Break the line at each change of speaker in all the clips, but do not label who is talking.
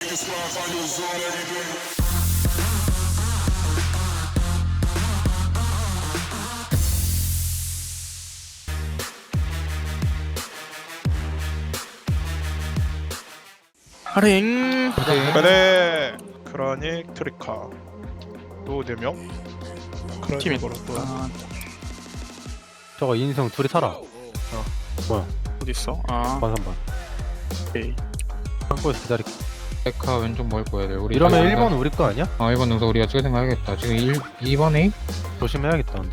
하링.
그래 크라닉 트리카 또 4명?
팀이
크라닉으로 또
저거 인성 둘이 살아. 뭐야?
어디 있어? 아,
반삼반.
오케이.
한국에서 기다릴게.
백화 왼쪽 먹을 거야 돼. 우리
이러면
다시
1번 우리 거 아니야?
1번 능선 우리가 찍어 생각해야겠다. 지금 2번 A?
조심해야겠다. 근데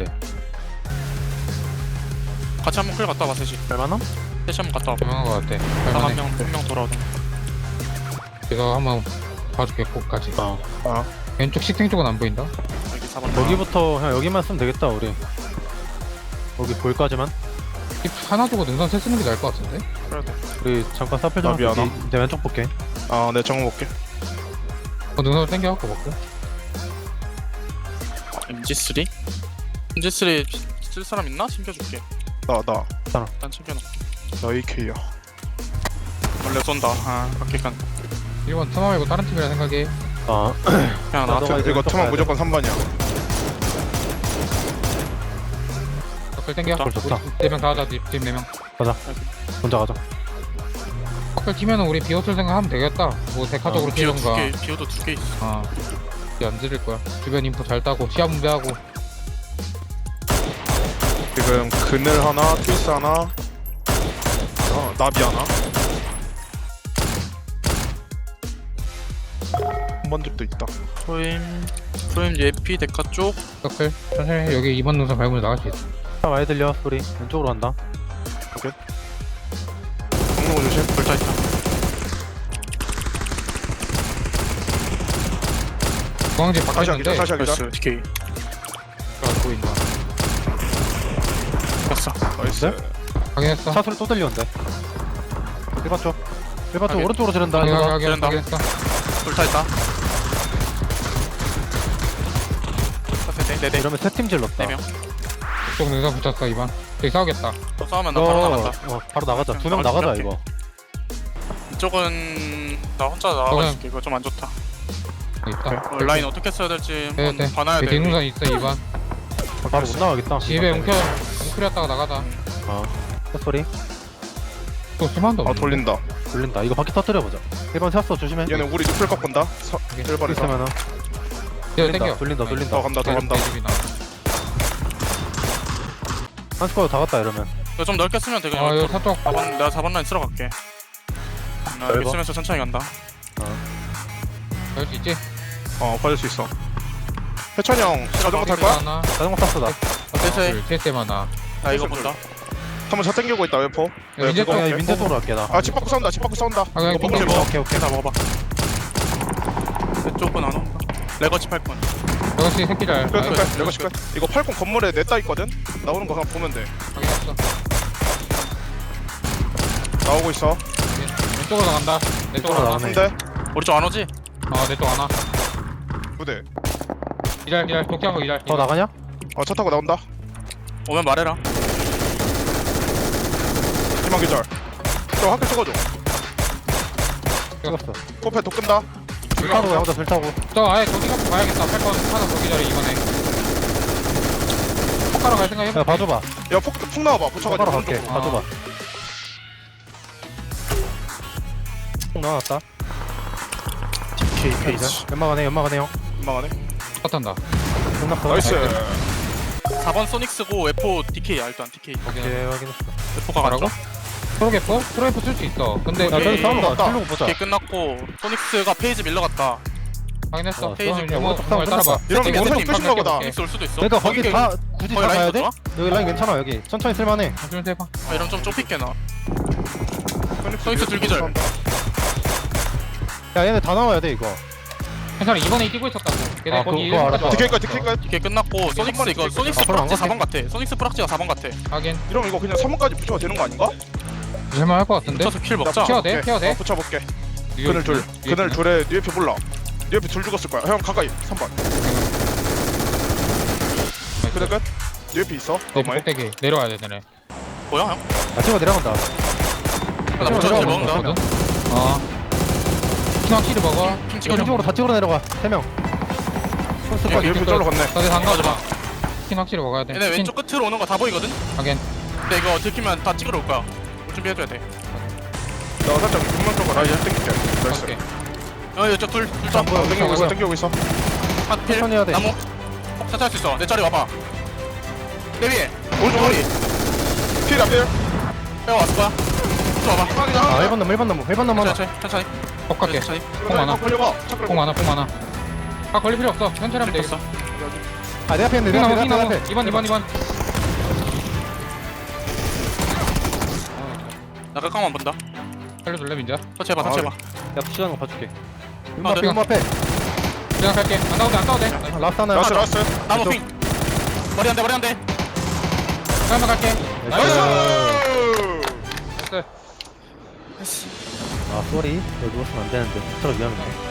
같이 한번 클 갔다 와봐, 셋이.
얼마나?
셋이 한번 갔다 와봐.
조용한 거 같아.
한
할만해.
명 돌아오던.
내가 한번 봐줄게 꼭까지.
어.
왼쪽 식생 쪽은 안 보인다.
여기 4번.
여기부터 그냥 여기만 쓰면 되겠다 우리. 여기 볼까지만.
힙 하나 두고 능선 세 쓰는 게 나을 것 같은데?
그래야 돼.
우리 잠깐 사표 좀.
나비 하나?
내 왼쪽 볼게.
내 정보 볼게.
능선을 땡겨갖고 먹고.
MG3? MG3 쓸 사람 있나? 챙겨줄게.
나
일단 챙겨놔.
AK야.
원래 쏜다. 아, 밖에 간.
1번 트마 말고 다른 팀이라 생각해.
아.
그냥 나.
나도 가야 돼.
이거
왼쪽
투만
가야
무조건 3번이야.
bắc 땡겨.
좋다,
좋다.
4명 다 하자. 팀 4명.
혼자 가자.
bắc 팀에는 우리 비오틀 생각하면 되겠다. 뭐 데카적으로
비오 두
피던가.
개, 비오도 2개 있어.
아. 이제 안 지를 거야. 주변 인포 잘 따고 시야 분배하고.
지금 그늘 하나, 트위스 하나, 나비 하나. 한 번 집도 있다.
프레임 예피 데카 쪽.
서클 천천히 해. 여기 2번 능선 밟으면 나갈 수 있어.
차 많이 들려 소리. 왼쪽으로 간다.
공룡 조심.
불타 있다.
중앙집
다시
바꿔
하기자,
있는데
다시 하기자.
나이스. DK.
안 보인다.
갔어.
나이스.
확인했어.
차 소리 또 들리는데. 1번 쪽. 1번 쪽
확인.
오른쪽으로 지른다. 이거.
지른다.
확인했어.
불타 있다. 네,
이러면 세 팀 질렀다.
4명.
쪽 능선 붙였어 2번. 저기 싸우겠다.
또 싸우면 나 바로 나간다.
바로 나가자. 두 명
나갈
나가자
수
이거.
이쪽은 나 혼자 나가줄게. 이거 좀 안 좋다.
여기 있다.
라인 어떻게 써야 될지
네,
한번
네.
봐놔야 돼.
뒤 능선 있어 2번.
바로 못 나가겠다.
집에 웅크렸다가 나가자.
차 소리.
또 심한도 없네.
돌린다.
돌린다. 이거 바퀴 터뜨려보자. 1번 샀어. 조심해.
얘네 우리 누플 꺾은다. 1번에서.
있으면은
네, 땡겨.
돌린다.
더 간다, 더 간다.
한 스쿼드 다 갔다 이러면.
이거 좀 넓게 쓰면 돼. 그냥
아 이거
옆으로.
사쪽.
4번, 내가 4번 라인 쓸어 갈게. 나 여기
넓어?
쓰면서 천천히 간다.
갈 수 있지?
받을 수 있어. 해찬이 형 자전거 탈 거야?
하나.
자전거 탔어 나.
세세.
세세 하나.
나 이거 본다.
한번 차 땡기고 있다 웨포.
야, 이제
그거
또
그냥
웨포.
민재 쪽으로 갈게 나.
집 밖으로 싸운다. 집 밖으로 싸운다.
그냥
이거
땡겨.
먹으면 먹어.
오케이 오케이.
나 먹어봐. 이쪽은 안 온다. 레거치 8번.
역시 새끼 잘.
끝. 이거 시간. 이거 80 건물에 냈다 있거든. 나오는 거 그냥 보면 돼.
확인했어.
나오고 있어.
왼쪽으로 나간다. 내 쪽으로
왼쪽으로
나가.
나가네.
근데
우리 쪽 안 오지?
내 쪽 하나.
부대.
기다려. 독자고 기다려.
더 나가냐?
차 타고 나온다.
오면 말해라.
희망 기절. 저 학교 찍어줘.
찍었어.
코페 독 끈다.
불 타고 가보자. 불 타고.
저 아예 저기 갖고 가야겠다. 8번 하나 더 기다려 이번에. 폭가러 갈 생각 해봐.
야 봐줘봐.
야폭 나와봐. 붙여가지고.
바로 갈게.
오른쪽으로.
봐줘봐. 폭 나왔다.
DK 페이지.
연막하네. 연막하네 형.
민망하네.
컷한다.
끝났어.
나이스.
4번 소닉스고 F4 DK야 일단 DK.
오케이 확인했어.
F4가
뭐라고?
갔죠?
프로게퍼? 프로게퍼 쓸 수 있어. 근데
야 저기 싸우는 거
맞다.
틀고 보자.
DK 끝났고 소닉스가 페이지 밀러갔다.
확인했어.
페이지
그냥
뭐,
오른쪽 싸움
따라봐.
끝나봐.
이러면
세팅,
원성
세팅,
끝인가 보다.
소닉스 올 수도 있어.
그러니까 거기
거기
다 굳이 다
거기 라인
가야
더
돼?
좋아?
여기 라인 괜찮아 여기. 천천히 쓸만해.
좀 해봐.
아 이러면 좀 좁힐게 나. 소닉스 들기절.
야 얘네 다 나와야 돼 이거.
괜찮아. 이번에 뛰고 있었다고. 걔네
아,
거기
그거 알아.
DK까지 DK까지.
DK 끝났고 소닉스 이거 소닉스
아, 그럼
프락지
안
4번 같아. 소닉스 프락지가 4번 같아.
하긴.
이러면 이거 그냥 3번까지 붙여도 되는 거 아닌가?
할만 할것 같은데?
붙여서 킬 먹자.
키워 돼? 키워 돼?
붙여볼게.
뉴욕
그늘 둘.
뉴욕
그늘 둘에 뉴에피 몰라. 뉴에피 둘 죽었을 거야. 형 가까이. 3번. 그래 끝. 뉴에피 있어.
내
너무해.
꼭대기 내려와야 돼 되네.
뭐야 형?
야 찍어 내려간다.
나 붙여서 킬 먹는다.
거든? 킨 확실히 먹어.
핑
이거
찍어줘.
왼쪽으로 다 찍으러 내려가 3명 손수
야,
빠지
이렇게 절로 건네.
다들 한
맞아,
거.
맞아.
킨 확실히 먹어야 돼.
얘네 왼쪽 끝으로 오는 거 다 보이거든?
하긴.
근데 이거 들키면 다 찍으러 올 거야. 준비해줘야 돼.
나 살짝 금방 쪽으로 라이즈 땡길게. 나이스.
오케이.
이쪽 둘
보여.
땡기고 있어,
보여.
땡기고 있어.
한필
천천히 해야 돼.
나무 천천히 할 수 있어. 내 자리 와봐. 내 위에
오른쪽
머리
필 앞에.
빼고 왔을 거야. 또 와봐.
아 1번 나무 1번 나무 1번 나무 하나
천천히
폭 갈게.
천천히.
폭 많아.
걸려봐.
폭 많아. 폭 많아. 아 걸릴 필요 없어. 천천히 하면 돼.
됐어.
아 내 앞에 있는데
핑
내
나무
앞에
핑
내
나무.
앞에
2번.
나 깎아만 본다.
살려줄래 민자?
터치 해봐.
아,
터치 해봐.
야 푸시하는 거 봐줄게
아,
룸 앞에 룸 앞에
그냥 갈게. 안 나오도 돼.
아, 라스트 하나
라스, 라스.
나무
왼쪽.
핑. 머리 한 대. 머리 한 대.
그냥 갈게.
나이스!
나이스.
아 쏘리 여기 누웠으면 안 되는데 진짜로 위험해